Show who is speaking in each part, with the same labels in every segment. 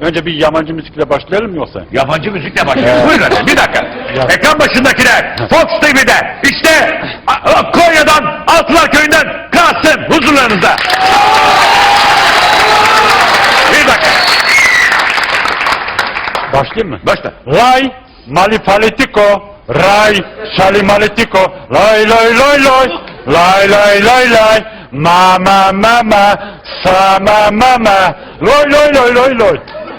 Speaker 1: Önce bir yabancı müzikle başlayalım mı yoksa?
Speaker 2: Yabancı müzikle başlıyoruz. Buyurun efendim, bir dakika. Ekran başındakiler, Fox TV'de, işte Konya'dan, Altılar Köyü'nden Kasım huzurlarınızda. Bir dakika.
Speaker 1: Başlayayım mı?
Speaker 2: Başla.
Speaker 1: Lay, malifalitiko, ray, şalimaletiko, lay lay lay lay, lay lay lay lay, mama mama, sama mama, lay lay lay lay lay.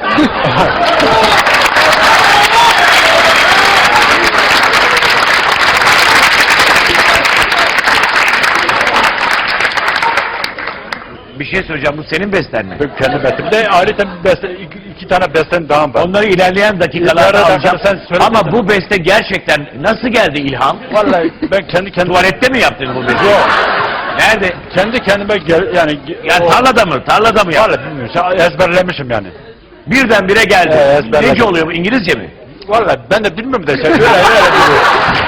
Speaker 2: Bir şey söyleyeceğim, bu senin besten mi?
Speaker 1: Ben kendi bestemde ayrıca bir beste, iki tane bestem daha var.
Speaker 2: Onları ilerleyen dakikalarda
Speaker 1: İleride
Speaker 2: alacağım.
Speaker 1: sen söyle
Speaker 2: Ama
Speaker 1: dedim.
Speaker 2: bu beste gerçekten nasıl geldi ilham?
Speaker 1: Vallahi ben kendi kendime...
Speaker 2: Tuvalette mi yaptın bu besteyi?
Speaker 1: Yok.
Speaker 2: Nerede?
Speaker 1: Kendi kendime yani...
Speaker 2: Yani tarlada mı? Tarlada mı yaptın?
Speaker 1: Vallahi bilmiyorum. Ezberlemişim yani.
Speaker 2: Birdenbire geldi.
Speaker 1: ezberledim.
Speaker 2: Nece oluyor bu? İngilizce mi?
Speaker 1: Vallahi ben de bilmiyorum da öyle biliyorum.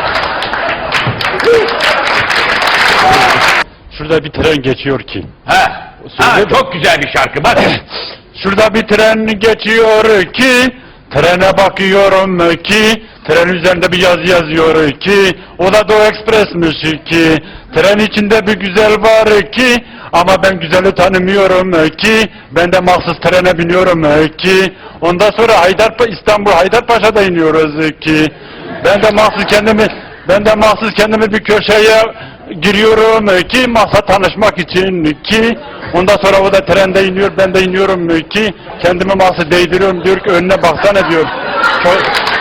Speaker 1: Şurada bir tren geçiyor ki.
Speaker 2: Ha
Speaker 1: Söyle de.
Speaker 2: çok güzel bir şarkı. Bak.
Speaker 1: Şurada bir tren geçiyor ki, trene bakıyorum ki, tren üzerinde bir yazı yazıyor ki, o da Doğu Ekspres'miş ki, tren içinde bir güzel var ki, ama ben güzeli tanımıyorum ki, ben de mahsus trene biniyorum ki, ondan sonra İstanbul Haydarpaşa'da iniyoruz ki, ben de mahsus kendimi bir köşeye giriyorum ki maksat tanışmak için ki ondan sonra o da trende iniyor, ben de iniyorum ki kendimi maksat değdiriyorum, diyor ki önüne baksana diyor.